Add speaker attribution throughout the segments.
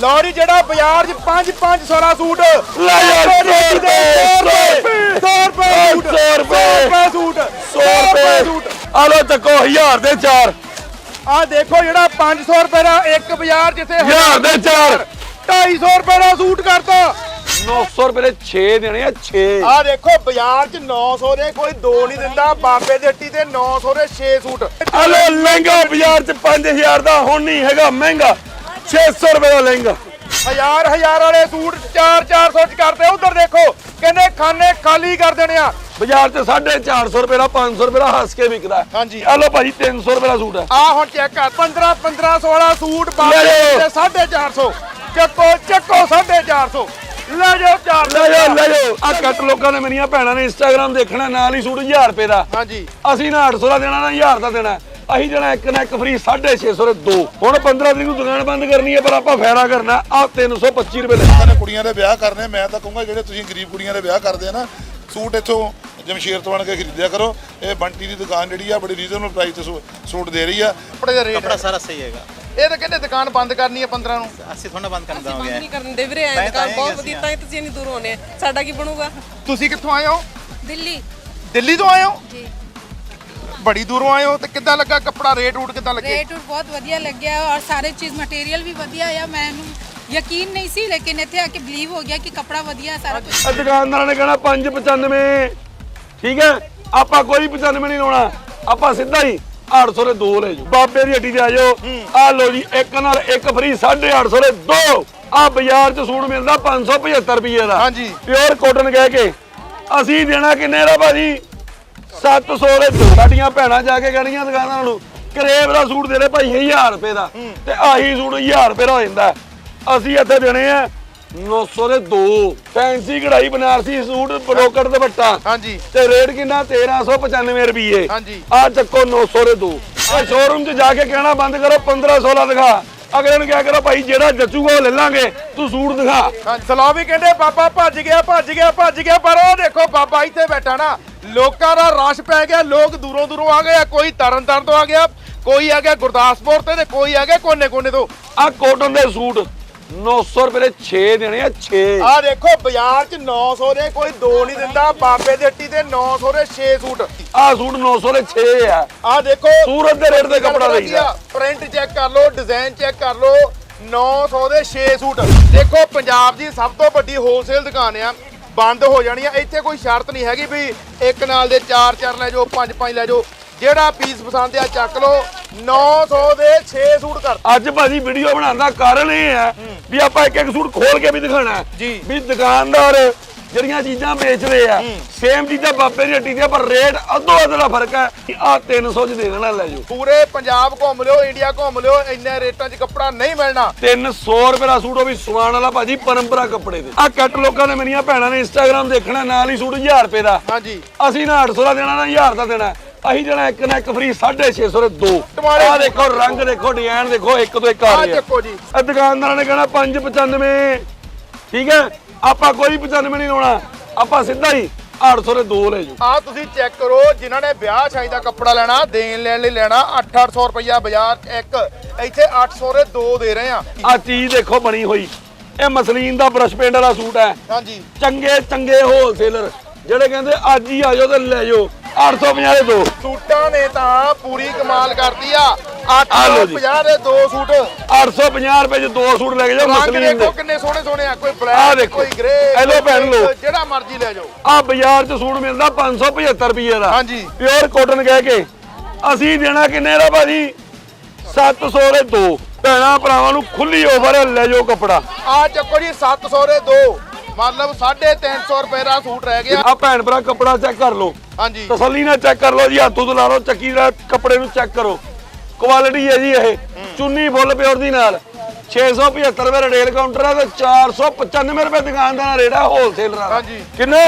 Speaker 1: ਲਓ ਜੀ ਜਿਹੜਾ ਬਾਜ਼ਾਰ 'ਚ 5 16 ਸੂਟ
Speaker 2: ਲੈ ਯਾਰ 100 ਰੁਪਏ
Speaker 1: 100 ਰੁਪਏ ਸੂਟ
Speaker 2: 100 ਰੁਪਏ ਸੂਟ ਆ ਲੋ ਚੱਕੋ 1000 ਦੇ 4
Speaker 1: ਆ ਦੇਖੋ ਜਿਹੜਾ 500 ਰੁਪਏ ਦਾ ਇੱਕ ਬਾਜ਼ਾਰ ਜਿੱਥੇ
Speaker 2: 1000 ਦੇ 4
Speaker 1: 250 ਰੁਪਏ ਦਾ ਸੂਟ ਕਰਤਾ
Speaker 2: 900 ਰੁਪਏ ਦੇ 6 ਦੇਣੇ ਆ 6
Speaker 1: ਆ ਦੇਖੋ ਬਾਜ਼ਾਰ 'ਚ 900 ਦੇ ਕੋਈ 2 ਨਹੀਂ ਦਿੰਦਾ ਬਾਬੇ ਦੇ ਹੱਟੀ ਤੇ 900 ਦੇ 6 ਸੂਟ
Speaker 2: ਆ ਲੋ ਲਹਿੰਗਾ ਬਾਜ਼ਾਰ 'ਚ 5000 ਦਾ ਹੁਣ ਨਹੀਂ ਹੈਗਾ ਮਹਿੰਗਾ 600 ਰੁਪਏ ਦਾ ਲਹਿੰਗਾ
Speaker 1: ਹਜ਼ਾਰ ਵਾਲੇ ਸੂਟ 400 ਚ ਕਰਦੇ ਉਧਰ ਦੇਖੋ ਕਹਿੰਦੇ ਖਾਨੇ ਖਾਲੀ ਕਰ ਦੇਣੇ ਆ
Speaker 2: ਬਾਜ਼ਾਰ 'ਚ 450 ਰੁਪਏ ਦਾ 500 ਰੁਪਏ ਦਾ ਹੱਸ ਕੇ ਵਿਕਦਾ
Speaker 1: ਹਾਂਜੀ
Speaker 2: ਆ ਲੋ ਭਾਜੀ 300 ਰੁਪਏ ਦਾ ਸੂਟ ਹੈ
Speaker 1: ਆ ਹੁਣ ਚੈੱਕ ਕਰ 15 16 ਸੂਟ ਬਾਬੇ ਦੇ 450 ਚੱਕੋ 450 ਲੈ ਜਾਓ 400
Speaker 2: ਲੈ ਜਾਓ ਆ ਕੱਟ ਲੋਕਾਂ ਨੇ ਮੇਰੀਆਂ ਭੈਣਾਂ ਨੇ ਇੰਸਟਾਗ੍ਰਾਮ ਦੇਖਣਾ ਨਾਲ ਹੀ ਸੂਟ 1000 ਰੁਪਏ ਦਾ
Speaker 1: ਹਾਂਜੀ
Speaker 2: ਅਸੀਂ ਨਾ 800 ਦਾ ਦੇਣਾ ਨਾ 1000 ਦਾ ਦੇਣਾ ਅਸੀਂ ਜਣਾ ਇੱਕ ਨਾ ਇੱਕ ਫ੍ਰੀ 650 ਦੇ 2 ਹੁਣ 15 ਤਰੀਕ ਨੂੰ ਦੁਕਾਨ ਬੰਦ ਕਰਨੀ ਹੈ ਪਰ ਆਪਾਂ ਫਾਇਦਾ ਕਰਨਾ ਆ 325 ਰੁਪਏ
Speaker 3: ਨੇ ਕੁੜੀਆਂ ਦੇ ਵਿਆਹ ਕਰਨੇ ਮੈਂ ਤਾਂ ਕਹੂੰਗਾ ਜਿਹੜੇ ਤੁਸੀਂ ਗਰੀਬ ਕੁੜੀਆਂ ਦੇ ਵਿਆਹ ਕਰਦੇ ਆ ਨਾ ਸੂਟ ਇੱਥੋਂ ਜਮਸ਼ੇਰ ਤੋਂ ਆਣ ਕੇ ਖਰੀਦਿਆ ਕਰੋ ਇਹ ਬੰਟੀ ਦੀ ਦੁਕਾਨ ਜਿਹੜੀ ਆ ਬੜੀ ਰੀਜ਼ਨਬਲ ਪ੍ਰਾਈਸ ਤੇ ਸੂਟ ਦੇ ਰਹੀ ਆ
Speaker 1: ਕੱਪੜੇ ਦਾ ਰੇਟ
Speaker 4: कपड़ा सारा सही हैगा
Speaker 1: ਇਹ ਤਾਂ ਕਹਿੰਦੇ ਦੁਕਾਨ ਬੰਦ ਕਰਨੀ ਹੈ 15 ਨੂੰ
Speaker 4: ਅਸੀਂ ਥੋੜਾ ਬੰਦ ਕਰਨ
Speaker 5: ਅਸੀਂ
Speaker 4: ਦਾਂਗੇ
Speaker 5: ਬੰਦ ਨਹੀਂ ਕਰਨ ਦੇ ਵੀਰੇ ਐਂ ਦੁਕਾਨ ਬਹੁਤ ਵਧੀਆ ਤਾਂ ਹੀ ਤੁਸੀਂ ਇੰਨੀ ਦੂਰ ਹੋਣੇ ਸਾਡਾ ਕੀ ਬਣੂਗਾ
Speaker 1: ਤੁਸੀਂ ਕਿੱਥੋਂ ਆਏ ਹੋ
Speaker 5: ਦਿੱਲੀ
Speaker 1: ਦਿੱਲੀ ਤੋਂ ਆਏ ਹੋ
Speaker 5: ਜੀ
Speaker 1: ਬੜੀ ਦੂਰੋਂ ਆਏ ਹੋ ਤੇ ਕਿੱਦਾਂ ਲੱਗਾ ਕੱਪੜਾ ਰੇਟ ਰੂਟ ਕਿੱਦਾਂ ਲੱਗੇ
Speaker 6: ਰੇਟ ਬਹੁਤ ਵਧੀਆ ਲੱਗਿਆ ਔਰ ਸਾਰੇ ਚੀਜ਼ ਮਟੀਰੀਅਲ ਵੀ ਵਧੀਆ ਆ ਮੈਨੂੰ ਯਕੀਨ ਨਹੀਂ ਸੀ ਲੇਕਿਨ ਇੱਥੇ ਆ ਕੇ ਬਲੀਵ ਹੋ ਗਿਆ ਕਿ ਕੱਪੜਾ ਵਧੀਆ ਸਾਰਾ ਕੁਝ
Speaker 2: ਆ ਦੁਕਾਨਦਾਰਾਂ ਨੇ ਕਹਿਣਾ 595 ਠੀਕ ਹੈ ਆਪਾਂ ਕੋਈ 95 ਨਹੀਂ ਲਾਉਣਾ ਆਪਾਂ ਸਿੱਧਾ ਹੀ 800 ਦੇ 2 ਲੈ ਜਾਓ ਬਾਬੇ ਦੀ ਹੱਟੀ ਤੇ ਆ ਜਾਓ ਆ ਲੋ ਜੀ ਇੱਕ ਨਾਲ ਇੱਕ ਫ੍ਰੀ 850 ਦੇ 2 ਆ ਬਾਜ਼ਾਰ 'ਚ ਸੂਟ ਮਿਲਦਾ 575 ਰੁਪਏ ਦਾ
Speaker 1: ਹਾਂਜੀ
Speaker 2: ਪਿਓਰ ਕਾਟਨ ਕਹਿ ਕੇ ਅਸੀਂ ਦੇਣਾ ਕਿੰਨੇ ਦਾ ਭਾਜੀ 700 ਦੇ 2 ਸਾਡੀਆਂ ਭੈਣਾਂ ਜਾ ਕੇ ਕਹਿਣੀਆਂ ਦੁਕਾਨਾਂ ਨੂੰ ਕਰੇਬ ਦਾ ਸੂਟ ਦੇ ਦੇ ਭਾਈ 1000 ਰੁਪਏ ਦਾ ਤੇ ਆਹੀ ਸੂਟ 1000 ਰੁਪਏ ਦਾ ਹੋ ਜਾਂਦਾ ਅਸੀਂ ਇੱਥੇ ਦੇਣੇ ਆ 900 ਦੇ 2 ਫੈਂਸੀ ਕਢਾਈ ਬਨਾਰਸੀ ਸੂਟ ਬਰੋਕਰ ਦੁਪੱਟਾ
Speaker 1: ਹਾਂਜੀ
Speaker 2: ਤੇ ਰੇਟ ਕਿੰਨਾ 1395 ਰੁਪਏ
Speaker 1: ਹਾਂਜੀ
Speaker 2: ਆ ਚੱਕੋ 900 ਦੇ 2 ਇਹ ਸ਼ੋਰੂਮ 'ਚ ਜਾ ਕੇ ਕਹਿਣਾ ਬੰਦ ਕਰੋ 1516 ਦਿਖਾ ਅਗਲੇ ਨੂੰ ਕਿਹਾ ਕਰੋ ਭਾਈ ਜਿਹੜਾ ਜੱਚੂਗਾ ਉਹ ਲੈ ਲਾਂਗੇ ਤੂੰ ਸੂਟ ਦਿਖਾ
Speaker 1: ਸਲਾਹ ਵੀ ਕਹਿੰਦੇ ਬਾਬਾ ਭੱਜ ਗਿਆ ਪਰ ਉਹ ਦੇਖੋ ਬਾਬਾ ਇੱਥੇ ਬੈਠਾ ਨਾ ਲੋਕਾਂ ਦਾ ਰਸ਼ ਪੈ ਗਿਆ ਲੋਕ ਦੂਰੋਂ ਆ ਗਏ ਕੋਈ ਤਰਨਤਾਰਨ ਤੋਂ ਆ ਗਿਆ ਕੋਈ ਆ ਗਿਆ ਗੁਰਦਾਸਪੁਰ ਤੇ ਕੋਈ ਆ ਗਿਆ ਕੋਨੇ ਤੋਂ
Speaker 2: ਆ ਕਾਟਨ ਦੇ ਸੂਟ 900 ਰੁਪਏ ਦੇ 6 ਦੇਣੇ ਆ 6
Speaker 1: ਆ ਦੇਖੋ ਬਾਜ਼ਾਰ 'ਚ 900 ਦੇ ਕੋਈ 2 ਨਹੀਂ ਦਿੰਦਾ ਬਾਬੇ ਦੇ ਹੱਟੀ ਤੇ 900 ਦੇ 6 ਸੂਟ
Speaker 2: ਆ ਸੂਟ 900 ਦੇ 6 ਆ
Speaker 1: ਆ ਦੇਖੋ
Speaker 2: ਸੂਰਤ ਦੇ ਰੇਟ ਤੇ ਕੱਪੜਾ ਲਈਦਾ
Speaker 1: ਪ੍ਰਿੰਟ ਚੈੱਕ ਕਰ ਲਓ ਡਿਜ਼ਾਈਨ ਚੈੱਕ ਕਰ ਲਓ 900 ਦੇ 6 ਸੂਟ ਦੇਖੋ ਪੰਜਾਬ ਦੀ ਸਭ ਤੋਂ ਵੱਡੀ ਹੋਲਸੇਲ ਦੁਕਾਨ ਆ ਬੰਦ ਹੋ ਜਾਣੀ ਆ ਇੱਥੇ ਕੋਈ ਸ਼ਰਤ ਨਹੀਂ ਹੈਗੀ ਵੀ ਇੱਕ ਨਾਲ ਦੇ 4 ਲੈ ਜਾਓ 5 ਲੈ ਜਾਓ ਜਿਹੜਾ ਪੀਸ ਪਸੰਦ ਆ ਚੱਕ ਲਓ 900 ਦੇ 6 ਸੂਟ ਕਰ
Speaker 2: ਅੱਜ ਭਾਜੀ ਵੀਡੀਓ ਬਣਾਉਣ ਦਾ ਕਾਰਨ ਇਹ ਹੈ ਵੀ ਆਪਾਂ ਇੱਕ ਸੂਟ ਖੋਲ ਕੇ ਵੀ ਦਿਖਾਣਾ
Speaker 1: ਜੀ
Speaker 2: ਵੀ ਦੁਕਾਨਦਾਰ ਜਿਹੜੀਆਂ ਚੀਜ਼ਾਂ ਵੇਚਦੇ ਆ ਸੇਮ ਚੀਜ਼ਾਂ ਬਾਬੇ ਦੀ ਹੱਟੀ ਤੇ ਪਰ ਰੇਟ ਅੱਧੋ ਅੱਧ ਦਾ ਫਰਕ ਹੈ ਆ 300 ਚ ਦੇ ਦੇਣਾ ਲੈ ਜਾਓ
Speaker 1: ਪੂਰੇ ਪੰਜਾਬ ਘੁੰਮ ਲਿਓ ਇੰਡੀਆ ਘੁੰਮ ਲਿਓ ਇੰਨੇ ਰੇਟਾਂ 'ਚ ਕੱਪੜਾ ਨਹੀਂ ਮਿਲਣਾ
Speaker 2: 300 ਰੁਪਏ ਦਾ ਸੂਟ ਉਹ ਵੀ ਸਵਾਨ ਵਾਲਾ ਭਾਜੀ ਪਰੰਪਰਾ ਕੱਪੜੇ ਦੇ ਆ ਕੱਟ ਲੋਕਾਂ ਨੇ ਮੇਰੀਆਂ ਭੈਣਾਂ ਨੇ ਇੰਸਟਾਗ੍ਰਾਮ ਦੇਖਣਾ ਨਾਲ ਹੀ ਸੂਟ 1000 ਰੁਪਏ ਦਾ
Speaker 1: ਹਾਂਜੀ
Speaker 2: ਅਸੀਂ ਨਾ 800 ਦਾ ਦੇਣਾ ਨਾ 1000 ਦਾ ਦੇਣਾ ਅਸੀਂ ਜਣਾ ਇੱਕ ਨਾ ਇੱਕ ਫ੍ਰੀ 650 ਦੇ 2 ਆ ਦੇਖੋ ਰੰਗ ਦੇਖੋ ਡਿਜ਼ਾਈਨ ਦੇਖੋ ਇੱਕ ਤੋਂ ਇੱਕ ਆ
Speaker 1: ਆ
Speaker 2: ਰਿਹਾ
Speaker 1: ਚੱਕੋ ਜੀ
Speaker 2: ਇਹ ਦੁਕਾਨਦਾਰਾਂ ਨੇ ਕਹਿਣਾ 595 ਠੀਕ ਹੈ ਆਪਾਂ ਕੋਈ 95 ਨਹੀਂ ਲਾਉਣਾ ਆਪਾਂ ਸਿੱਧਾ ਹੀ 800 ਦੇ 2 ਲੈ ਜਾਓ
Speaker 1: ਆ ਤੁਸੀਂ ਚੈੱਕ ਕਰੋ ਜਿਨ੍ਹਾਂ ਨੇ ਵਿਆਹ ਸ਼ਾਦੀ ਦਾ ਕੱਪੜਾ ਲੈਣਾ ਦੇਣ ਲੈਣ ਲਈ ਲੈਣਾ 800 ਰੁਪਇਆ ਬਾਜ਼ਾਰ ਇੱਕ ਇੱਥੇ 800 ਦੇ 2 ਦੇ ਰਹੇ ਆ
Speaker 2: ਆ ਚੀਜ਼ ਦੇਖੋ ਬਣੀ ਹੋਈ ਇਹ ਮਸਲੀਨ ਦਾ ਬ੍ਰਸ਼ ਪੇਂਟ ਵਾਲਾ ਸੂਟ ਹੈ
Speaker 1: ਹਾਂਜੀ
Speaker 2: ਚੰਗੇ ਹੋਲਸੇਲਰ ਜਿਹੜੇ ਕਹਿੰਦੇ ਅੱਜ ਹੀ ਆ ਜਾਓ ਤੇ ਲੈ ਜਾਓ 850 ਦੇ 2
Speaker 1: ਸੂਟਾਂ ਨੇ ਤਾਂ ਪੂਰੀ ਕਮਾਲ ਕਰਤੀ ਆ
Speaker 2: ਲਓ ਜੀ।
Speaker 1: 850 ਦੇ 2 ਸੂਟ
Speaker 2: 850 ਰੁਪਏ ਚ 2 ਸੂਟ ਲੈ ਕੇ ਜਾਓ
Speaker 1: ਰੰਗ
Speaker 2: ਮਸਲੀਨ
Speaker 1: ਦੇਖੋ
Speaker 2: ਦੇ
Speaker 1: ਕਿੰਨੇ ਸੋਹਣੇ ਆ ਕੋਈ
Speaker 2: ਆਹ
Speaker 1: ਬਲੈਕ
Speaker 2: ਦੇਖੋ।
Speaker 1: ਕੋਈ ਗ੍ਰੇ
Speaker 2: ਇਹ ਲਓ ਭੈਣ ਲਓ।
Speaker 1: ਜਿਹੜਾ ਮਰਜ਼ੀ ਲੈ ਜਾਓ
Speaker 2: ਆ ਬਾਜ਼ਾਰ ਚ ਸੂਟ ਮਿਲਦਾ 575 ਰੁਪਏ ਦਾ
Speaker 1: ਹਾਂਜੀ।
Speaker 2: ਪਿਓਰ ਕਾਟਨ ਕਹਿ ਕੇ ਅਸੀਂ ਦੇਣਾ ਕਿੰਨੇ ਦਾ ਭਾਜੀ 700 ਦੇ 2 ਭੈਣਾਂ ਭਰਾਵਾਂ ਨੂੰ ਖੁੱਲੀ ਆਫਰ ਲੈ ਜਾਓ ਕੱਪੜਾ
Speaker 1: ਆ ਚੱਕੋ ਜੀ 700 ਦੇ 2 ਮਤਲਬ 350 ਰੁਪਏ ਦਾ ਸੂਟ ਰਹਿ ਗਿਆ
Speaker 2: ਆ ਭੈਣ ਭਰਾ ਕੱਪੜਾ ਚੈੱਕ ਕਰ ਲਓ
Speaker 1: ਹਾਂਜੀ
Speaker 2: ਤਸੱਲੀ ਨਾਲ ਚੈੱਕ ਕਰ ਲਓ ਜੀ ਹੱਥੋਂ ਤੋਂ ਲਾ ਲਓ ਚੱਕੀ ਦਾ ਕੱਪੜੇ ਨੂੰ ਚੈੱਕ ਕਰੋ ਕੁਆਲਿਟੀ ਹੈ ਜੀ ਇਹ ਚੁੰਨੀ ਫੁੱਲ ਪਿਓਰ ਦੀ ਨਾਲ 675 ਰੁਪਏ ਰਿਟੇਲ ਕਾਊਂਟਰ ਹੈ ਤੇ 495 ਰੁਪਏ ਦੁਕਾਨਦਾਰ ਰੇਟ ਹੈ ਹੋਲਸੇਲਰ ਦਾ
Speaker 1: ਹਾਂਜੀ।
Speaker 2: ਕਿੰਨੇ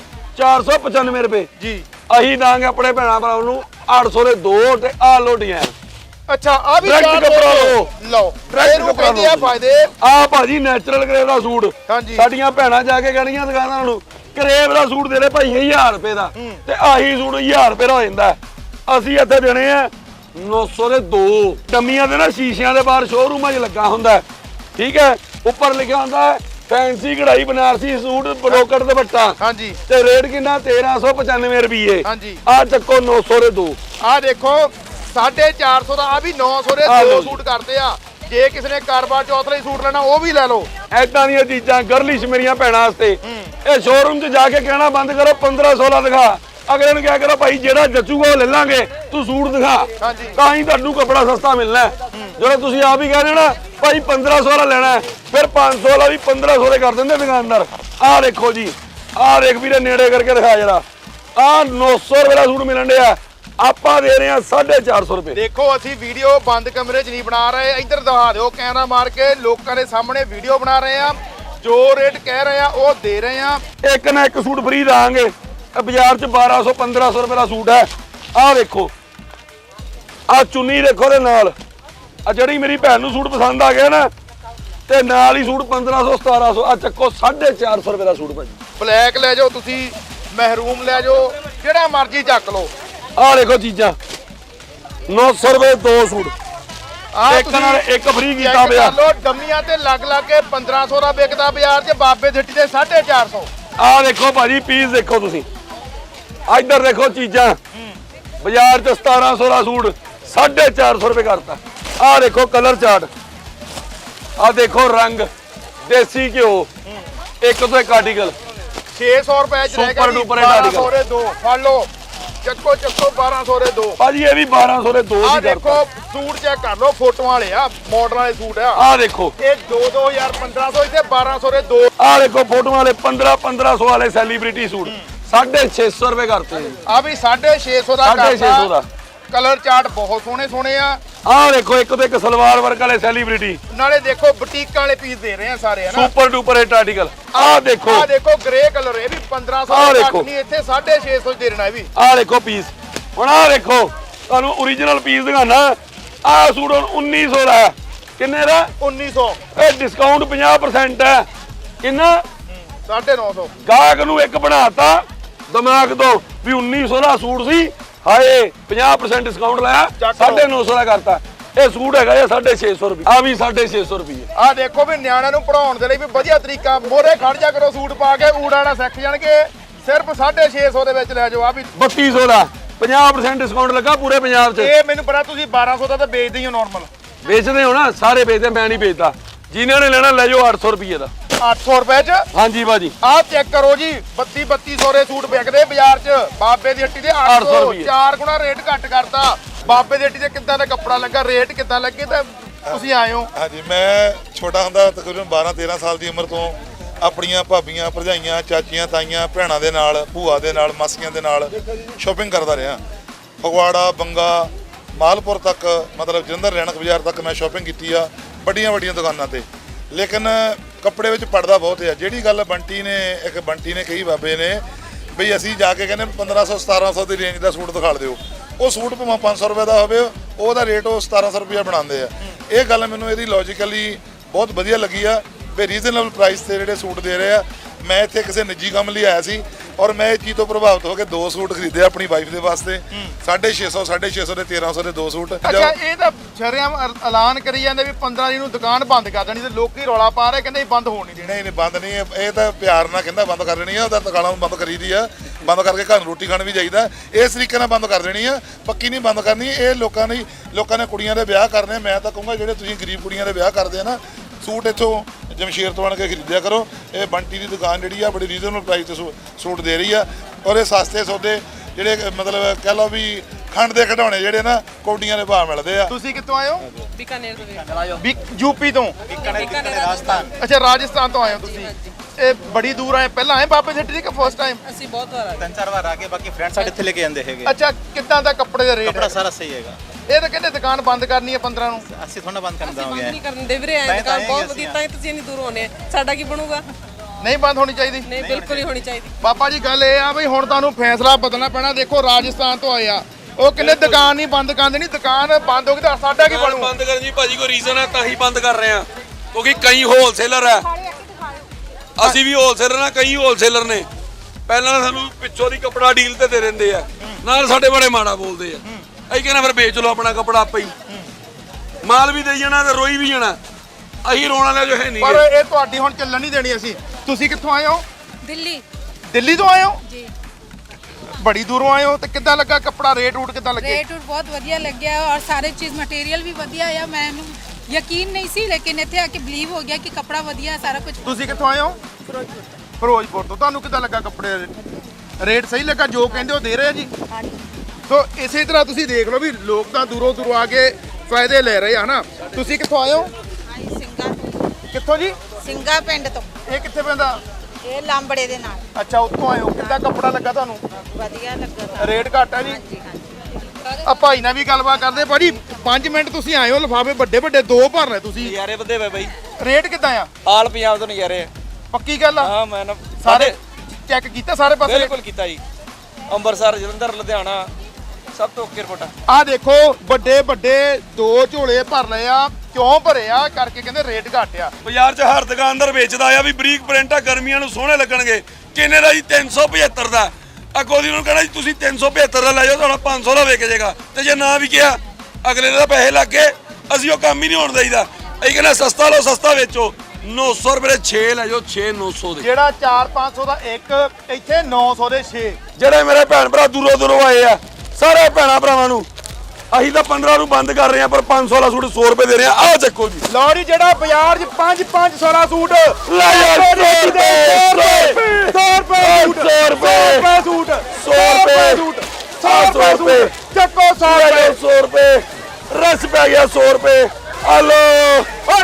Speaker 2: 495 ਰੁਪਏ
Speaker 1: ਜੀ
Speaker 2: ਅਸੀਂ ਦਾਂਗੇ ਆਪਣੇ ਭੈਣਾਂ ਭਰਾਵਾਂ ਨੂੰ 800 ਦੇ 2 ਤੇ ਆ ਲੋ ਡਿਜ਼ਾਈਨ
Speaker 1: ਅੱਛਾ ਆ ਵੀ
Speaker 2: Direct ਕੱਪੜਾ ਲਓ।
Speaker 1: ਲਓ
Speaker 2: Direct
Speaker 1: ਇਹਨੂੰ
Speaker 2: ਕੱਪੜਾ
Speaker 1: ਕਹਿੰਦੇ ਆ
Speaker 2: ਲਓ।
Speaker 1: ਫਾਇਦੇ
Speaker 2: ਆ ਭਾਜੀ ਨੈਚੁਰਲ ਗ੍ਰੇਵ ਦਾ ਸੂਟ
Speaker 1: ਹਾਂਜੀ।
Speaker 2: ਸਾਡੀਆਂ ਭੈਣਾਂ ਜਾ ਕੇ ਕਹਿਣੀਆਂ ਦੁਕਾਨਾਂ ਨੂੰ ਕਰੇਬ ਦਾ ਸੂਟ ਦੇ ਦੇ ਭਾਈ 1000 ਰੁਪਏ ਦਾ ਤੇ ਆਹੀ ਸੂਟ 1000 ਰੁਪਏ ਦਾ ਹੋ ਜਾਂਦਾ ਅਸੀਂ ਇੱਥੇ ਦੇਣੇ ਆ 900 ਦੇ 2 ਡੰਮੀਆਂ ਦੇ ਨਾ ਸ਼ੀਸ਼ਿਆਂ ਦੇ ਬਾਹਰ ਸ਼ੋਰੂਮਾਂ 'ਚ ਲੱਗਾ ਹੁੰਦਾ ਠੀਕ ਹੈ। ਉੱਪਰ ਲਿਖਿਆ ਹੁੰਦਾ ਹੈ ਫੈਂਸੀ ਕਢਾਈ ਬਨਾਰਸੀ ਸੂਟ ਬਲੋਕਟ ਦੁਪੱਟਾ।
Speaker 1: ਹਾਂਜੀ
Speaker 2: ਤੇ ਰੇਟ ਕਿੰਨਾ 1395 ਰੁਪਏ।
Speaker 1: ਹਾਂਜੀ
Speaker 2: ਆ ਚੱਕੋ 900 ਦੇ 2।
Speaker 1: ਆ ਦੇਖੋ 450 ਦਾ, ਆ ਵੀ 900 ਦੇ
Speaker 2: ਆ
Speaker 1: 2
Speaker 2: ਲਓ
Speaker 1: ਸੂਟ ਕਰਦੇ ਆ। ਜੇ ਕਿਸੇ ਨੇ ਕਾਰੋਬਾਰ ਚੌਥ ਲਈ ਸੂਟ ਲੈਣਾ ਉਹ ਵੀ ਲੈ ਲਓ।
Speaker 2: ਐਦਾਂ ਦੀਆਂ ਚੀਜ਼ਾਂ ਗਰਲਿਸ਼ ਮੇਰੀਆਂ ਭੈਣਾਂ ਵਾਸਤੇ। ਇਹ ਸ਼ੋਰੂਮ 'ਚ ਜਾ ਕੇ ਕਹਿਣਾ ਬੰਦ ਕਰੋ 1516 ਦਿਖਾ। ਅਗਲੇ ਨੂੰ ਕਿਹਾ ਕਰੋ ਭਾਈ ਜਿਹੜਾ ਜੱਚੂਗਾ ਉਹ ਲੈ ਲਾਂਗੇ, ਤੂੰ ਸੂਟ ਦਿਖਾ,
Speaker 1: ਹਾਂਜੀ।
Speaker 2: ਤਾਂ ਹੀ ਤੁਹਾਨੂੰ ਕੱਪੜਾ ਸਸਤਾ ਮਿਲਣਾ ਹੈ। ਜਦੋਂ ਤੁਸੀਂ ਆਪ ਹੀ ਕਹਿ ਰਹੇ ਹੋ ਨਾ ਭਾਈ 1500 ਵਾਲਾ ਲੈਣਾ ਹੈ, ਫਿਰ 500 ਵਾਲਾ ਵੀ 1500 ਦੇ ਕਰ ਦਿੰਦੇ ਦੁਕਾਨਦਾਰ। ਆਹ ਦੇਖੋ ਜੀ, ਆਹ ਦੇਖ ਵੀਰੇ ਨੇੜੇ ਕਰਕੇ ਦਿਖਾ ਜਰਾ। ਆਹ 900 ਰੁਪਏ ਦਾ ਸੂਟ ਮਿਲਣ ਡਿਆ, ਆਪਾਂ ਦੇ ਰਹੇ ਹਾਂ 450 ਰੁਪਏ।
Speaker 1: ਦੇਖੋ ਅਸੀਂ ਵੀਡੀਓ ਬੰਦ ਕਮਰੇ 'ਚ ਨਹੀਂ ਬਣਾ ਰਹੇ, ਇੱਧਰ ਦਿਖਾ ਦਿਓ ਕੈਮਰਾ ਮਾਰ ਕੇ, ਲੋਕਾਂ ਦੇ ਸਾਹਮਣੇ ਵੀਡੀਓ ਬਣਾ ਰਹੇ ਆ। ਜੋ ਰੇਟ ਕਹਿ ਰਹੇ ਆ ਉਹ ਦੇ ਰਹੇ ਆ।
Speaker 2: ਇੱਕ ਨਾ ਇੱਕ ਸੂਟ ਫ੍ਰੀ ਦਾਂਗੇ। ਬਾਜ਼ਾਰ 'ਚ 1200 1500 ਰੁਪਏ ਦਾ ਸੂਟ ਹੈ। ਆਹ ਦੇਖੋ, ਆਹ ਚੁੰਨੀ ਦੇਖੋ ਦੇ ਨਾਲ। ਆ ਜਿਹੜੀ ਮੇਰੀ ਭੈਣ ਨੂੰ ਸੂਟ ਪਸੰਦ ਆ ਗਿਆ ਨਾ, ਤੇ ਨਾਲ ਹੀ ਸੂਟ 1500 1700। ਆ ਚੱਕੋ 450 ਰੁਪਏ ਦਾ ਸੂਟ ਭਾਜੀ।
Speaker 1: ਬਲੈਕ ਲੈ ਜਾਓ ਤੁਸੀਂ, ਮਹਿਰੂਮ ਲੈ ਜਾਓ, ਜਿਹੜਾ ਮਰਜ਼ੀ ਚੱਕ ਲਓ।
Speaker 2: ਆਹ ਦੇਖੋ ਚੀਜ਼ਾਂ 900 ਰੁਪਏ 2 ਸੂਟ।
Speaker 1: ਆਹ
Speaker 2: ਇੱਕ ਨਾਲ ਇੱਕ ਫ੍ਰੀ ਕੀਤਾ
Speaker 1: ਚੈੱਕ
Speaker 2: ਪਿਆ।
Speaker 1: ਕਰ ਲਓ, ਡੰਮੀਆਂ ਤੇ ਲੱਗ ਕੇ 1500 ਦਾ ਵਿਕਦਾ ਬਾਜ਼ਾਰ 'ਚ, ਬਾਬੇ ਦਿੱਟੀ ਦੇ 450।
Speaker 2: ਆਹ ਦੇਖੋ ਭਾਜੀ ਪੀਸ ਦੇਖੋ ਤੁਸੀਂ। ਇੱਧਰ ਦੇਖੋ ਚੀਜ਼ਾਂ, ਬਾਜ਼ਾਰ 'ਚ 1700 ਦਾ ਸੂਟ 450 ਰੁਪਏ ਕਰਤਾ। ਆਹ ਦੇਖੋ ਕਲਰ ਚਾਰਟ, ਆਹ ਦੇਖੋ ਰੰਗ, ਦੇਸੀ ਘਿਓ, ਇੱਕ ਤੋਂ ਇੱਕ ਆਰਟੀਕਲ
Speaker 1: 600 ਰੁਪਏ 'ਚ ਰਹਿ ਗਿਆ
Speaker 2: ਸੁਪਰ
Speaker 1: ਜੀ,
Speaker 2: ਡੁਪਰ
Speaker 1: 1200 ਦੇ 2 ਫੜ ਲਓ। ਚੱਕੋ 1200 ਦੇ 2।
Speaker 2: ਭਾਜੀ ਇਹ ਵੀ 1200 ਦੇ 2
Speaker 1: ਆਹ
Speaker 2: ਹੀ
Speaker 1: ਦੇਖੋ
Speaker 2: ਕਰਤਾ।
Speaker 1: ਸੂਟ ਚੈੱਕ ਕਰ ਲਓ, ਫੋਟੋਆਂ ਵਾਲੇ ਆ, ਮਾਡਲ ਵਾਲੇ ਸੂਟ ਆ।
Speaker 2: ਆਹ ਦੇਖੋ,
Speaker 1: ਇਹ 2000 1500 ਤੇ 1200 ਦੇ 2।
Speaker 2: ਆਹ ਦੇਖੋ ਫੋਟੋਆਂ ਵਾਲੇ 1500 ਵਾਲੇ ਸੈਲੀਬ੍ਰਿਟੀ ਸੂਟ 650 ਰੁਪਏ ਕਰਤੇ।
Speaker 1: ਆ ਵੀ 650 ਦਾ
Speaker 2: 650 ਦਾ।
Speaker 1: ਕਲਰ ਚਾਰਟ ਬਹੁਤ ਸੋਹਣੇ ਸੋਹਣੇ ਆ।
Speaker 2: ਆਹ ਦੇਖੋ ਇੱਕ ਤੋਂ ਇੱਕ ਸਲਵਾਰ ਵਰਕ ਵਾਲੇ ਸੈਲੀਬ੍ਰਿਟੀ,
Speaker 1: ਨਾਲੇ ਦੇਖੋ ਬੁਟੀਕਾਂ ਵਾਲੇ ਪੀਸ ਦੇ ਰਹੇ ਆ ਸਾਰੇ ਹਨਾ।
Speaker 2: Super duper hit article. ਆਹ ਦੇਖੋ,
Speaker 1: ਆਹ ਦੇਖੋ ਗ੍ਰੇ ਕਲਰ, ਇਹ ਵੀ 1500
Speaker 2: ਆਹ
Speaker 1: ਦਾ
Speaker 2: ਦੇਖੋ।
Speaker 1: ਨਹੀਂ, ਇੱਥੇ 650 ਦੇ ਦੇਣਾ ਇਹ ਵੀ।
Speaker 2: ਆਹ ਦੇਖੋ ਪੀਸ। ਹੁਣ ਆਹ ਦੇਖੋ ਤੁਹਾਨੂੰ ਓਰੀਜਨਲ ਪੀਸ ਦਿਖਾਣਾ। ਆਹ ਸੂਟ ਹੁਣ 1900 ਦਾ ਹੈ। ਕਿੰਨੇ ਦਾ?
Speaker 1: 1900।
Speaker 2: ਇਹ ਡਿਸਕਾਊਂਟ 50% ਹੈ। ਕਿੰਨਾ?
Speaker 1: 950।
Speaker 2: ਗਾਹਕ ਨੂੰ ਇੱਕ ਬਣਾਤਾ ਦਿਮਾਗ ਤੋਂ ਵੀ 1900 ਦਾ ਸੂਟ ਸੀ, ਹਾਏ 50% ਡਿਸਕਾਊਂਟ ਲਾਇਆ,
Speaker 1: ਚੱਕ ਲਓ।
Speaker 2: 950 ਦਾ ਕਰਤਾ। ਇਹ ਸੂਟ ਹੈਗਾ ਜੀ 650 ਰੁਪਏ। ਆ ਵੀ 650 ਰੁਪਏ।
Speaker 1: ਆਹ ਦੇਖੋ ਵੀ ਨਿਆਣਿਆਂ ਨੂੰ ਪੜਾਉਣ ਦੇ ਲਈ ਵੀ ਵਧੀਆ ਤਰੀਕਾ, ਮੋਰੇ ਖੜ ਜਾ ਕਰੋ ਸੂਟ ਪਾ ਕੇ, ਊੜਾਣਾ ਸਿੱਖ ਜਾਣਗੇ। ਸਿਰਫ 650 ਦੇ ਵਿੱਚ ਲੈ ਜਾਓ। ਆ ਵੀ
Speaker 2: 3200 ਦਾ 50% ਡਿਸਕਾਊਂਟ ਲੱਗਾ ਪੂਰੇ ਪੰਜਾਬ 'ਚ।
Speaker 1: ਇਹ ਮੈਨੂੰ ਪਤਾ ਤੁਸੀਂ 1200 ਦਾ ਤਾਂ ਵੇਚਦੇ ਹੀ ਹੋ ਨਾਰਮਲ।
Speaker 2: ਵੇਚਦੇ ਹੋ ਨਾ, ਸਾਰੇ ਵੇਚਦੇ, ਮੈਂ ਨਹੀਂ ਵੇਚਦਾ। ਜਿਨ੍ਹਾਂ ਨੇ ਲੈਣਾ ਲੈ ਜਾਓ 800 ਰੁਪਏ ਦਾ।
Speaker 1: 800 ਰੁਪਏ 'ਚ
Speaker 2: ਹਾਂਜੀ ਭਾਜੀ।
Speaker 1: ਆਹ ਚੈੱਕ ਕਰੋ ਜੀ, 3200 ਦੇ ਸੂਟ ਵਿਕਦੇ ਬਾਜ਼ਾਰ 'ਚ, ਬਾਬੇ ਦੀ ਹੱਟੀ ਦੇ 800
Speaker 2: ਰੁਪਏ।
Speaker 1: 4 ਗੁਣਾ ਰੇਟ ਘੱਟ ਕਰਤਾ। ਬਾਬੇ ਦੀ ਹੱਟੀ ਤੇ ਕਿੱਦਾਂ ਦਾ ਕੱਪੜਾ ਲੱਗਾ, ਰੇਟ ਕਿੱਦਾਂ ਲੱਗੇ, ਤਾਂ ਤੁਸੀਂ ਆਏ ਹੋ।
Speaker 3: ਹਾਂਜੀ, ਮੈਂ ਛੋਟਾ ਹੁੰਦਾ ਤਕਰੀਬਨ 12-13 ਸਾਲ ਦੀ ਉਮਰ ਤੋਂ ਆਪਣੀਆਂ ਭਾਬੀਆਂ, ਭਰਜਾਈਆਂ, ਚਾਚੀਆਂ, ਤਾਈਆਂ, ਭੈਣਾਂ ਦੇ ਨਾਲ, ਭੂਆ ਦੇ ਨਾਲ, ਮਾਸੀਆਂ ਦੇ ਨਾਲ ਸ਼ਾਪਿੰਗ ਕਰਦਾ ਰਿਹਾ। ਫਗਵਾੜਾ, ਬੰਗਾ, ਮਾਲਪੁਰ ਤੱਕ, ਮਤਲਬ ਜਲੰਧਰ ਰੈਣਕ ਬਾਜ਼ਾਰ ਤੱਕ ਮੈਂ ਸ਼ਾਪਿੰਗ ਕੀਤੀ ਆ, ਵੱਡੀਆਂ ਵੱਡੀਆਂ ਦੁਕਾਨਾਂ ਤੇ। ਲੇਕਿਨ ਕੱਪੜੇ ਵਿੱਚ ਪੜਦਾ ਬਹੁਤ ਹੈ। ਜਿਹੜੀ ਗੱਲ ਬੰਟੀ ਨੇ ਕਹੀ ਬਾਬੇ ਨੇ ਬਈ ਅਸੀਂ ਜਾ ਕੇ ਕਹਿੰਦੇ 1500 1700 ਦੀ ਰੇਂਜ ਦਾ ਸੂਟ ਦਿਖਾ ਦਿਓ, ਉਹ ਸੂਟ ਭਾਵੇਂ 500 ਰੁਪਏ ਦਾ ਹੋਵੇ, ਉਹਦਾ ਰੇਟ ਉਹ 1700 ਰੁਪਏ ਬਣਾਉਂਦੇ ਆ। ਇਹ ਗੱਲ ਮੈਨੂੰ ਇਹਦੀ ਲੌਜੀਕਲੀ ਬਹੁਤ ਵਧੀਆ ਲੱਗੀ ਆ ਵੀ ਰੀਜ਼ਨੇਬਲ ਪ੍ਰਾਈਸ ਤੇ ਜਿਹੜੇ ਸੂਟ ਦੇ ਰਹੇ ਆ। ਮੈਂ ਇੱਥੇ ਕਿਸੇ ਨਿੱਜੀ ਕੰਮ ਲਈ ਆਇਆ ਸੀ ਔਰ ਮੈਂ ਇਹ ਚੀਜ਼ ਤੋਂ ਪ੍ਰਭਾਵਿਤ ਹੋ ਕੇ 2 ਸੂਟ ਖਰੀਦੇ ਆਪਣੀ ਵਾਈਫ ਦੇ ਵਾਸਤੇ। 650 ਦੇ 1300 ਦੇ 2 ਸੂਟ।
Speaker 1: ਅੱਛਾ, ਇਹ ਤਾਂ ਸ਼ਰੇਆਮ ਐਲਾਨ ਕਰੀ ਜਾਂਦੇ ਵੀ 15 ਨੂੰ ਦੁਕਾਨ ਬੰਦ ਕਰ ਦੇਣੀ, ਤੇ ਲੋਕੀ ਰੌਲਾ ਪਾ ਰਹੇ ਕਹਿੰਦੇ ਬੰਦ ਹੋਣ ਨਹੀਂ ਦੇਣੀ।
Speaker 3: ਨਹੀਂ ਬੰਦ ਨਹੀਂ, ਇਹ ਤਾਂ ਪਿਆਰ ਨਾਲ ਕਹਿੰਦਾ ਬੰਦ ਕਰ ਦੇਣੀ ਆ। ਉਹਦਾ ਦੁਕਾਨਾਂ ਬੰਦ ਕਰੀਦੀ ਆ, ਬੰਦ ਕਰਕੇ ਘਰ ਨੂੰ ਰੋਟੀ ਖਾਣ ਵੀ ਜਾਈਦਾ। ਇਸ ਤਰੀਕੇ ਨਾਲ ਬੰਦ ਕਰ ਦੇਣੀ ਆ, ਪੱਕੀ ਨਹੀਂ ਬੰਦ ਕਰਨੀ। ਇਹ ਲੋਕਾਂ ਨੇ ਕੁੜੀਆਂ ਦੇ ਵਿਆਹ ਕਰਨੇ। ਮੈਂ ਤਾਂ ਕਹੂੰਗਾ ਜਿਹੜੇ ਤੁਸੀਂ ਗਰੀਬ ਕੁੜੀਆਂ ਦੇ ਵਿਆਹ ਕਰਦੇ ਆ ਨਾ, ਸੂਟ ਇੱਥੋਂ ਜਮਸ਼ੇਰ ਤੋਂ ਆਣ ਕੇ ਖਰੀਦਿਆ ਕਰੋ। ਇਹ ਬੰਟੀ ਦੀ ਦੁਕਾਨ ਜਿਹੜੀ ਆ ਬੜੀ ਰੀਜ਼ਨੇਬਲ ਪ੍ਰਾਈਸ ਤੇ ਸੂਟ ਦੇ ਰਹੀ ਆ। ਔਰ ਇਹ ਸਸਤੇ ਸੌਦੇ ਜਿਹੜੇ ਮਤਲਬ ਕਹਿ ਲਓ ਵੀ ਖੰਡ ਦੇ ਖਿਡੌਣੇ ਜਿਹੜੇ ਨਾ ਕੌਡੀਆਂ ਦੇ ਭਾਅ ਮਿਲਦੇ ਆ।
Speaker 1: ਤੁਸੀਂ ਕਿੱਥੋਂ ਆਏ ਹੋ?
Speaker 5: ਬੀਕਾਨੇਰ ਤੋਂ।
Speaker 1: ਯੂਪੀ ਤੋਂ?
Speaker 5: ਰਾਜਸਥਾਨ।
Speaker 1: ਅੱਛਾ, ਰਾਜਸਥਾਨ ਤੋਂ ਆਏ ਹੋ ਤੁਸੀਂ। ਇਹ ਬੜੀ ਦੂਰ ਆਏ, ਪਹਿਲਾਂ ਆਏ ਬਾਬੇ ਦੀ ਹੱਟੀ ਕਿ ਫਸਟ ਟਾਈਮ?
Speaker 5: ਅਸੀਂ ਬਹੁਤ ਵਾਰ ਆਏ।
Speaker 4: 3-4 ਵਾਰ ਆ ਕੇ, ਬਾਕੀ ਫਰੈਂਡ ਸਾਡੇ ਇੱਥੇ ਲੈ ਕੇ ਜਾਂਦੇ ਹੈਗੇ।
Speaker 1: ਅੱਛਾ, ਕਿੱਦਾਂ ਦਾ ਕੱਪੜੇ ਦਾ ਰੇਟ?
Speaker 4: ਕੱਪੜਾ ਸਾਰਾ ਸਹੀ ਹੈਗਾ।
Speaker 1: ਇਹ ਤਾਂ ਕਹਿੰਦੇ ਦੁਕਾਨ ਬੰਦ ਕਰਨੀ ਹੈ 15 ਨੂੰ।
Speaker 4: ਅਸੀਂ ਥੋੜਾ ਬੰਦ ਕਰਨ
Speaker 5: ਅਸੀਂ ਬੰਦ
Speaker 4: ਦਾਂਗੇ।
Speaker 5: ਨਹੀਂ ਕਰਨ ਦੇ ਵੀਰੇ, ਐਂ ਦੁਕਾਨ ਬਹੁਤ ਵਧੀਆ, ਤਾਂ ਹੀ ਤੁਸੀਂ ਇੰਨੀ ਦੂਰੋਂ ਆਉਂਦੇ ਆ। ਸਾਡਾ ਕੀ ਬਣੂਗਾ?
Speaker 1: ਨਹੀਂ ਬੰਦ ਹੋਣੀ ਚਾਹੀਦੀ।
Speaker 5: ਨਹੀਂ, ਬਿਲਕੁਲ ਹੀ ਹੋਣੀ ਚਾਹੀਦੀ।
Speaker 1: ਬਾਬਾ ਜੀ ਗੱਲ ਇਹ ਆ ਵੀ ਹੁਣ ਤੁਹਾਨੂੰ ਫੈਸਲਾ ਬਦਲਣਾ ਪੈਣਾ। ਦੇਖੋ ਰਾਜਸਥਾਨ ਤੋਂ ਆਏ ਆ, ਉਹ ਕਹਿੰਦੇ ਦੁਕਾਨ ਨਹੀਂ ਬੰਦ ਕਰਨ ਦੇਣੀ, ਦੁਕਾਨ ਬੰਦ ਹੋ ਗਈ ਤਾਂ ਸਾਡਾ ਕੀ ਬਣੂ?
Speaker 2: ਬੰਦ ਕਰਨ ਜੀ ਭਾਜੀ ਕੋਈ ਰੀਜ਼ਨ ਹੈ ਤਾਂ ਹੀ ਬੰਦ ਕਰ ਰਹੇ ਆ, ਕਿਉਂਕਿ ਕਈ ਹੋਲਸੇਲਰ ਹੈ। ਅਸੀਂ ਵੀ ਹੋਲਸੇਲਰ ਨਾ, ਕਈ ਹੋਲਸੇਲਰ ਨੇ। ਪਹਿਲਾਂ ਸਾਨੂੰ ਪਿੱਛੋਂ ਦੀ ਕੱਪੜਾ ਡੀਲ ਤੇ ਦੇ ਦਿੰਦੇ ਆ, ਨਾਲ ਸਾਡੇ ਬੜੇ ਮਾੜਾ ਬੋਲਦੇ ਆ। ਅਸੀਂ ਕਹਿੰਦੇ ਫਿਰ ਵੇਚ ਲਓ ਆਪਣਾ ਕੱਪੜਾ ਆਪੇ ਹੀ, ਮਾਲ ਵੀ ਦੇਈ ਜਾਣਾ ਤੇ ਰੋਈ ਵੀ ਜਾਣਾ। ਅਸੀਂ ਰੋਣ ਵਾਲੇ ਜੋ ਹੈ ਨਹੀਂ
Speaker 1: ਪਰ ਇਹ ਤੁਹਾਡੀ ਹੁਣ ਚੱਲਣ ਨਹੀਂ ਦੇਣੀ ਅਸੀਂ। ਤੁਸੀਂ ਕਿੱਥੋਂ ਆਏ ਹੋ?
Speaker 6: ਦਿੱਲੀ
Speaker 1: ਦਿੱਲੀ ਤੋਂ ਆਏ ਹੋ?
Speaker 6: ਜੀ
Speaker 1: ਬੜੀ ਦੂਰੋਂ ਆਏ ਹੋ ਤੇ ਕਿੱਦਾਂ ਲੱਗਾ ਕੱਪੜਾ? ਰੇਟ ਰੂਟ ਕਿੱਦਾਂ ਲੱਗੇ?
Speaker 6: ਰੇਟ ਬਹੁਤ ਵਧੀਆ ਲੱਗਿਆ ਔਰ ਸਾਰੇ ਚੀਜ਼ ਮਟੀਰੀਅਲ ਵੀ ਵਧੀਆ ਆ। ਮੈਨੂੰ ਯਕੀਨ ਨਹੀਂ ਸੀ ਲੇਕਿਨ ਇੱਥੇ ਆ ਕੇ ਬਲੀਵ ਹੋ ਗਿਆ ਕਿ ਕੱਪੜਾ ਵਧੀਆ ਸਾਰਾ ਕੁਝ।
Speaker 1: ਤੁਸੀਂ ਕਿੱਥੋਂ ਆਏ ਹੋ? ਫਿਰੋਜ਼ਪੁਰ ਤੋਂ। ਤੁਹਾਨੂੰ ਕਿੱਦਾਂ ਲੱਗਾ ਕੱਪੜੇ? ਰੇਟ ਸਹੀ ਲੱਗਾ? ਜੋ ਕਹਿੰਦੇ ਉਹ ਦੇ ਰਹੇ ਆ ਜੀ? ਸੋ ਇਸੇ ਤਰ੍ਹਾਂ ਤੁਸੀਂ ਦੇਖ ਲਓ ਵੀ ਲੋਕ ਤਾਂ ਦੂਰੋਂ ਦੂਰੋਂ ਆ ਕੇ ਫਾਇਦੇ ਲੈ ਰਹੇ ਆ ਹਨਾ। ਤੁਸੀਂ ਕਿੱਥੋਂ ਆਏ ਹੋ?
Speaker 7: ਸਿੰਘਾ
Speaker 1: ਕਿੱਥੋਂ ਜੀ?
Speaker 7: ਸਿੰਘਾ ਪਿੰਡ ਤੋਂ।
Speaker 1: ਇਹ ਕਿੱਥੇ ਪੈਂਦਾ?
Speaker 7: ਇਹ ਲਾਂਬੜੇ ਦੇ ਨਾਲ।
Speaker 1: ਅੱਛਾ ਉੱਥੋਂ ਆਏ ਹੋ। ਕਿੱਦਾਂ ਕੱਪੜਾ ਲੱਗਾ ਤੁਹਾਨੂੰ?
Speaker 7: ਵਧੀਆ ਲੱਗਾ।
Speaker 1: ਰੇਟ ਘੱਟ ਹੈ ਜੀ?
Speaker 7: ਹਾਂਜੀ ਹਾਂਜੀ।
Speaker 1: ਆ ਭਾਈ ਨਾਲ ਵੀ ਗੱਲਬਾਤ ਕਰਦੇ। ਭਾਜੀ 5 ਮਿੰਟ ਤੁਸੀਂ ਆਏ ਹੋ, ਲਿਫਾਫੇ ਵੱਡੇ ਵੱਡੇ 2 ਭਰ ਲਏ ਤੁਸੀਂ।
Speaker 4: ਨਜ਼ਾਰੇ ਬੰਦੇ ਵੇ ਬਾਈ,
Speaker 1: ਰੇਟ ਕਿੱਦਾਂ ਆ?
Speaker 4: ਆਲ ਪੰਜਾਬ ਤੋਂ ਨਜ਼ਾਰੇ।
Speaker 1: ਪੱਕੀ ਗੱਲ ਆ?
Speaker 4: ਹਾਂ ਮੈਂ ਨਾ
Speaker 1: ਸਾਰੇ ਚੈੱਕ ਕੀਤਾ ਸਾਰੇ ਪਾਸੇ?
Speaker 4: ਬਿਲਕੁਲ ਕੀਤਾ ਜੀ। ਅੰਮ੍ਰਿਤਸਰ, ਜਲੰਧਰ, ਲੁਧਿਆਣਾ ਸਭ ਤੋਂ ਓਕੇ ਰਿਪੋਰਟਾਂ।
Speaker 1: ਆ ਦੇਖੋ ਵੱਡੇ ਵੱਡੇ 2 ਝੋਲੇ ਭਰ ਲਏ ਆ। ਕਿਉਂ ਭਰੇ ਆ? ਕਰਕੇ ਕਹਿੰਦੇ ਰੇਟ ਘੱਟ ਆ।
Speaker 2: ਬਾਜ਼ਾਰ 'ਚ ਹਰ ਦੁਕਾਨਦਾਰ ਵੇਚਦਾ ਆ ਵੀ ਬਰੀਕ ਪ੍ਰਿੰਟ ਆ, ਗਰਮੀਆਂ ਨੂੰ ਸੋਹਣੇ ਲੱਗਣਗੇ। ਕਿੰਨੇ ਦਾ ਜੀ? 375 ਦਾ। ਅੱਗੋਂ ਦੀ ਨੂੰ ਕਹਿਣਾ ਜੀ ਤੁਸੀਂ 375 ਦਾ ਲੈ ਜਾਓ, ਤੁਹਾਡਾ 500 ਦਾ ਵਿਕ ਜਾਏਗਾ। ਤੇ ਜੇ ਨਾ ਵੀ ਕਿਹਾ ਅਗਲੇ ਦੇ ਤਾਂ ਪੈਸੇ ਲੱਗ ਗਏ। ਅਸੀਂ ਉਹ ਕੰਮ ਹੀ ਨਹੀਂ ਹੋਣ ਦੇਈਦਾ। ਅਸੀਂ ਕਹਿੰਦੇ ਸਸਤਾ ਲਓ, ਸਸਤਾ ਵੇਚੋ। 900 ਰੁਪਏ ਦੇ 6 ਲੈ ਜਾਓ, 6 900 ਦੇ।
Speaker 1: ਜਿਹੜਾ 4-500 ਦਾ ਇੱਕ, ਇੱਥੇ 900 ਦੇ 6।
Speaker 2: ਜਿਹੜੇ ਮੇਰੇ ਭੈਣ ਭਰਾ ਦੂਰੋਂ ਦੂਰੋਂ ਆਏ ਆ, ਸਾਰੇ ਭੈਣਾਂ ਭਰਾਵਾਂ ਨੂੰ ਅਸੀਂ ਤਾਂ 15 ਨੂੰ ਬੰਦ ਕਰ ਰਹੇ ਆ, ਪਰ 500 ਵਾਲਾ ਸੂਟ 100 ਰੁਪਏ ਦੇ ਰਹੇ ਆ। ਆਹ ਚੱਕੋ ਜੀ।
Speaker 1: ਲਓ ਜੀ, ਜਿਹੜਾ ਬਾਜ਼ਾਰ 'ਚ 5-500 ਵਾਲਾ ਸੂਟ
Speaker 2: ਲੈ ਜਾਓ 100 ਰੁਪਏ
Speaker 1: 100 ਰੁਪਏ ਸੂਟ,
Speaker 2: 100 ਰੁਪਏ
Speaker 1: 100 ਰੁਪਏ ਸੂਟ,
Speaker 2: 100 ਰੁਪਏ
Speaker 1: ਸੂਟ, 100 ਰੁਪਏ ਸੂਟ, ਚੱਕੋ 100
Speaker 2: ਲੈ
Speaker 1: ਰੁਪਏ।
Speaker 2: ਜਾਓ 100 ਰੁਪਏ। ਰਸ ਪੈ ਗਿਆ 100 ਰੁਪਏ। ਆ ਲੋ
Speaker 1: 100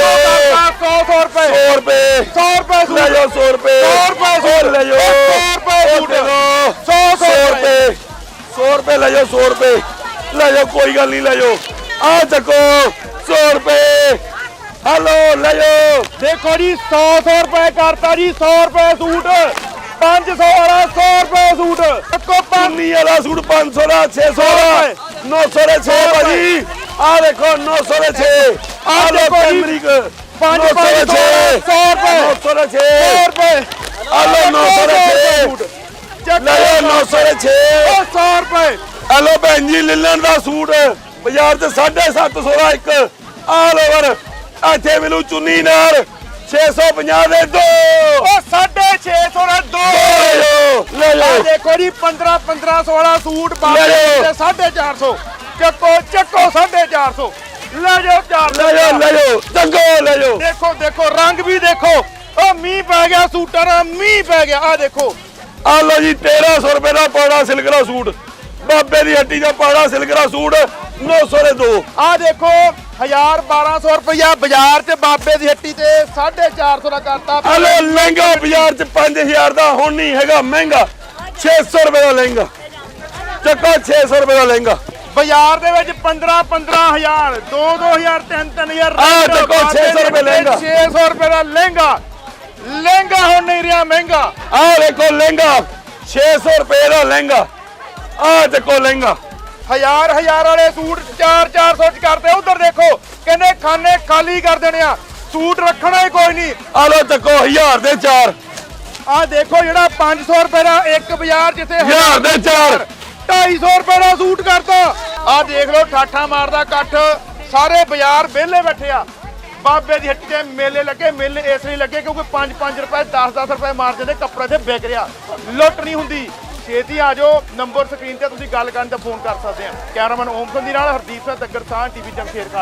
Speaker 1: ਰੁਪਏ
Speaker 2: 100 ਰੁਪਏ
Speaker 1: 100 ਰੁਪਏ ਸੂਟ,
Speaker 2: ਲੈ ਜਾਓ 100 ਰੁਪਏ
Speaker 1: 100 ਰੁਪਏ ਸੂਟ,
Speaker 2: ਲੈ ਜਾਓ
Speaker 1: 100 ਰੁਪਏ ਸੂਟ,
Speaker 2: 100 ਰੁਪਏ 100 ਰੁਪਏ ਲੈ ਜਾਓ 100 ਰੁਪਏ ਲੈ ਜਾਓ, ਕੋਈ ਗੱਲ ਨਹੀਂ ਲੈ ਜਾਓ। ਆ ਚੱਕੋ 100 ਰੁਪਏ। ਹਲੋ ਲੈ ਜਾਓ।
Speaker 1: ਦੇਖੋ ਜੀ 100 ਰੁਪਏ ਕਰਤਾ ਜੀ। 100 ਰੁਪਏ ਸੂਟ, 500 ਵਾਲਾ 100 ਰੁਪਏ ਸੂਟ, ਚੱਕੋ 5
Speaker 2: ਪੰਨੀ ਵਾਲਾ ਸੂਟ 500 ਦਾ 600 ਦਾ 900 ਦੇ 6 ਭਾਜੀ। ਆ ਦੇਖੋ 900 ਦੇ 6। ਆ ਦੇਖੋ ਅਮਰੀਕ
Speaker 1: 5
Speaker 2: 900 ਦੇ 6
Speaker 1: 100 ਰੁਪਏ
Speaker 2: 900 ਦੇ 6
Speaker 1: 100 ਰੁਪਏ।
Speaker 2: ਆ ਲੋ 900 ਦੇ 6 ਲੈ ਜਾਓ 900 ਦੇ 6।
Speaker 1: 100 ਰੁਪਏ।
Speaker 2: ਹੈਲੋ ਭੈਣ ਜੀ, ਲਿਲਨ ਦਾ ਸੂਟ ਬਾਜ਼ਾਰ 'ਚ 750 ਦਾ ਇੱਕ। ਆਲ ਓਵਰ ਇੱਥੇ ਮਿਲੂ ਚੁੰਨੀ ਨਾਲ 650 ਦੇ 2।
Speaker 1: ਉਹ 650 ਦਾ 2
Speaker 2: ਲੈ
Speaker 1: ਆ
Speaker 2: ਜਾਓ।
Speaker 1: ਦੇਖੋ ਜੀ 1500 ਵਾਲਾ ਸੂਟ
Speaker 2: ਲੈ
Speaker 1: ਬਾਬੇ
Speaker 2: ਜਾਓ।
Speaker 1: ਦੇ 450। ਚੱਕੋ ਚੱਕੋ 450। ਲੈ ਜਾਓ 400।
Speaker 2: ਲੈ ਜਾਓ ਲੈ ਜਾਓ ਚੰਗੋ ਲੈ ਜਾਓ।
Speaker 1: ਦੇਖੋ ਦੇਖੋ ਰੰਗ ਵੀ ਦੇਖੋ। ਉਹ ਮੀਂਹ ਪੈ ਗਿਆ ਸੂਟਾਂ ਦਾ, ਮੀਂਹ ਪੈ ਗਿਆ। ਆ ਦੇਖੋ
Speaker 2: ਆ ਲੋ ਜੀ 1300 ਰੁਪਏ ਦਾ ਪਾੜਾ ਸਿਲਕ ਦਾ ਸੂਟ। ਬਾਬੇ ਦੀ ਹੱਟੀ ਦਾ ਪਾੜਾ ਸਿਲਕ ਦਾ ਸੂਟ 900 ਦੇ 2।
Speaker 1: ਆ ਦੇਖੋ 1200 ਰੁਪਇਆ ਬਾਜ਼ਾਰ 'ਚ ਬਾਬੇ ਦੀ ਹੱਟੀ ਤੇ 450 ਦਾ ਕਰਤਾ।
Speaker 2: ਹਲੋ ਲਹਿੰਗਾ ਬਾਜ਼ਾਰ 'ਚ 5000 ਦਾ, ਹੁਣ ਨਹੀਂ ਹੈਗਾ ਮਹਿੰਗਾ। 600 ਰੁਪਏ ਦਾ ਲਹਿੰਗਾ। ਚੱਕੋ 600 ਰੁਪਏ ਦਾ ਲਹਿੰਗਾ।
Speaker 1: ਬਾਜ਼ਾਰ ਦੇ ਵਿੱਚ 15,000 2,000 3,000
Speaker 2: ਆਹ ਦੇਖੋ 600 ਰੁਪਏ ਲਹਿੰਗਾ।
Speaker 1: 600 ਰੁਪਏ ਦਾ ਲਹਿੰਗਾ। ਲਹਿੰਗਾ ਹੁਣ ਨਹੀਂ ਰਿਹਾ ਮਹਿੰਗਾ।
Speaker 2: ਆਹ ਦੇਖੋ ਲਹਿੰਗਾ 600 ਰੁਪਏ ਦਾ ਲਹਿੰਗਾ। ਆਹ ਦੇਖੋ ਲਹਿੰਗਾ।
Speaker 1: 1000 ਵਾਲੇ ਸੂਟ 400 ਚ ਕਰਦੇ। ਉਧਰ ਦੇਖੋ ਕਹਿੰਦੇ ਖਾਨੇ ਖਾਲੀ ਕਰ ਦੇਣੇ ਆ, ਸੂਟ ਰੱਖਣਾ ਹੀ ਕੋਈ ਨਹੀਂ।
Speaker 2: ਆ ਲੋ ਚੱਕੋ 1000 ਦੇ 4।
Speaker 1: ਆ ਦੇਖੋ ਜਿਹੜਾ 500 ਰੁਪਏ ਦਾ ਇੱਕ ਬਾਜ਼ਾਰ ਜਿੱਥੇ
Speaker 2: 1000 ਦੇ 4।
Speaker 1: 250 ਰੁਪਏ ਦਾ ਸੂਟ ਕਰਤਾ। ਆ ਦੇਖ ਲਓ ਠਾਠਾ ਮਾਰਦਾ ਇਕੱਠ, ਸਾਰੇ ਬਾਜ਼ਾਰ ਵਿਹਲੇ ਬੈਠੇ ਆ। ਬਾਬੇ ਦੀ ਹੱਟੀ ਤੇ ਮੇਲੇ ਲੱਗੇ। ਮੇਲੇ ਇਸ ਲਈ ਲੱਗੇ ਕਿਉਂਕਿ 5-5 ਰੁਪਏ 10-10 ਰੁਪਏ ਮਾਰਜਨ ਦੇ ਕੱਪੜੇ ਤੇ ਵਿਕ ਰਿਹਾ। ਲੁੱਟ ਨਹੀਂ ਹੁੰਦੀ। ਛੇਤੀ ਆ ਜਾਓ। ਨੰਬਰ ਸਕਰੀਨ ਤੇ ਤੁਸੀਂ ਗੱਲ ਕਰਨ ਤੇ ਫੋਨ ਕਰ ਸਕਦੇ ਆ। ਕੈਮਰਾਮੈਨ ਓਮ ਸੰਧੀ ਨਾਲ ਹਰਦੀਪ ਸਿੰਘ ਤੱਗਰ ਸਾਹ ਟੀਵੀ ਜਮਸ਼ੇਰ।